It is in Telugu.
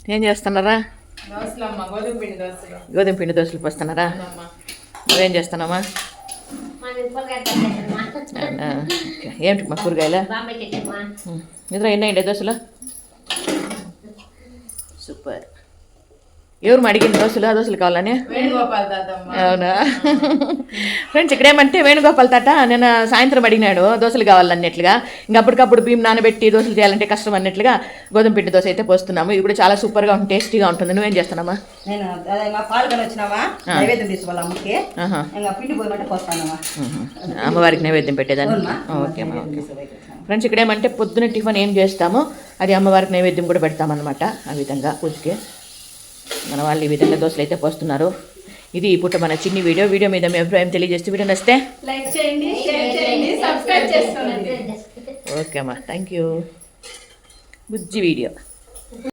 ఏం చేస్తున్నారా? గోధుమ పిండి దోశలు పోస్తున్నారా? నువ్వేం చేస్తున్నావా? ఏమిటి మా కూరగాయలు? నిద్ర ఎన్ని దోశలు? సూపర్. ఎవరు అడిగింది దోశలు? దోశలు కావాలని? అవునా? ఫ్రెండ్స్, ఇక్కడేమంటే వేణుగోపాల్ తాత నేను సాయంత్రం అడిగినాడు దోశలు కావాలన్నట్లుగా. ఇంకా అప్పటికప్పుడు బియ్యం నానబెట్టి దోశలు చేయాలంటే కష్టం అన్నట్లుగా గోధుమ పిండి దోశ అయితే పోస్తున్నాము. ఇది కూడా చాలా సూపర్గా ఉంటుంది, టేస్టీగా ఉంటుంది. నువ్వేం చేస్తున్నామా? అమ్మవారికి నైవేద్యం పెట్టేదాన్ని. ఓకే అమ్మా, ఓకే. ఫ్రెండ్స్, ఇక్కడేమంటే పొద్దున టిఫిన్ ఏం చేస్తామో అది అమ్మవారికి నైవేద్యం కూడా పెడతామన్నమాట. ఆ విధంగా పూజకి మన వాళ్ళు ఈ విధంగా దోశలు అయితే పోస్తున్నారు. ఇది ఈ పూట మన చిన్ని వీడియో మీద మీ అభిప్రాయం తెలియజేస్తే వీడియో నచ్చితే లైక్ చేయండి, షేర్ చేయండి, సబ్స్క్రైబ్ చేసుకోండి. ఓకే అమ్మా, థ్యాంక్ యూ. Bujji video.